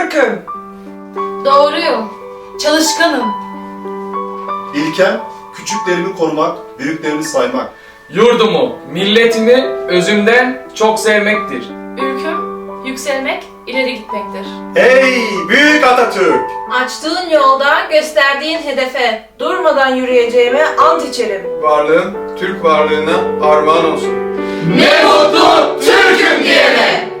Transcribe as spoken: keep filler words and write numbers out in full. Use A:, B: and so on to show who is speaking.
A: Türk'üm.
B: Doğruyum. Çalışkanım.
C: İlkem, küçüklerimi korumak, büyüklerimi saymak.
D: Yurdumu, milletimi özümden çok sevmektir.
B: Ülküm, yükselmek, ileri gitmektir.
C: Hey büyük Atatürk!
E: Açtığın yolda gösterdiğin hedefe durmadan yürüyeceğime ant içerim.
F: Varlığın Türk varlığına armağan olsun.
D: Ne mutlu Türk'üm diyene!